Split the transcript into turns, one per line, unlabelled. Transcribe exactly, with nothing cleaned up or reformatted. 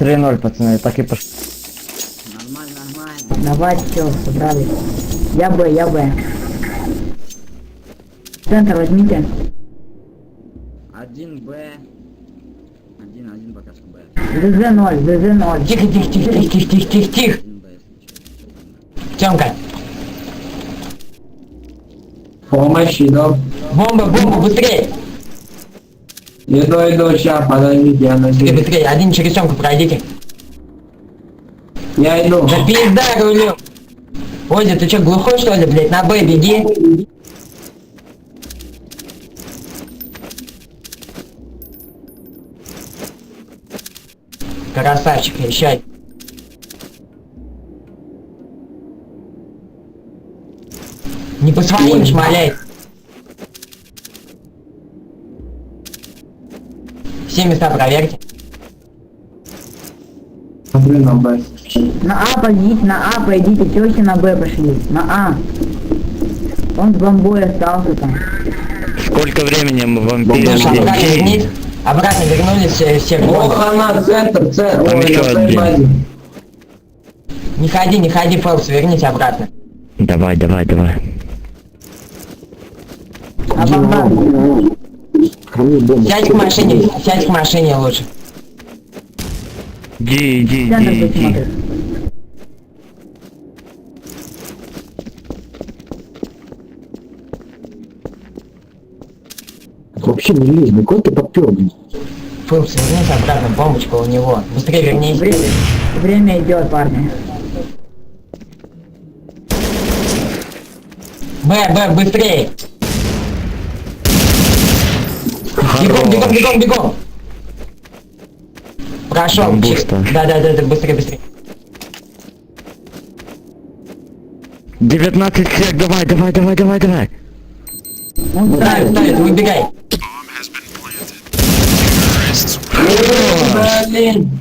три ноль, пацаны, так и пошло.
Нормально, нормально.
Давай, все, собрались. Я Б, я Б. Центр возьмите.
Один Б. Один, один пока что Б.
ЗЗ ноль, ЗЗ ноль.
Тихо, тихо, тихо, тихо, тихо, тихо, тихо, тихо.
Один Б, если что.
Тёмка,
Помощь, иду.
бомба, бомба, быстрее.
Иду, иду, сейчас, подождите, я
Быстрее,
надеюсь.
быстрее, один через Тёмку пройдите.
Я иду.
Да пизда рулю. Озя, ты чё, глухой что ли, блядь? На Б беги. Красавчик, езжай. Не по своим шмаляй. Все места проверьте.
Смотрю на Б.
На А пойдите, на А пойдите, чего все на Б пошли? На А. Он с бомбой остался там.
Сколько времени мы вам
Слушай, обратно
переждем?
вернись. Обратно вернулись все, все в
Ох,
бомбу.
она, центр, центр.
Там
Ой,
еще
на
один.
базе.
Не ходи, не ходи, Фокс, вернись обратно.
Давай, давай, давай.
А бомба.
Сядь к машине, сядь к машине лучше.
Иди, иди,
Центр
иди, иди.
посмотрит.
Вообще не лезь, ну какой ты попёр, блин.
Фокс, вернись обратно, бомбочка у него. Быстрее вернись.
Время, время идет, парни.
Б, Б, быстрее. Бегом, бегом, бегом, бегом. Прошел.
Бомбуста.
Да, да, да, да, быстрее, быстрее.
девятнадцать сек, давай, давай, давай, давай, давай.
Он
Ставит, ставит, выбегай.
Блин.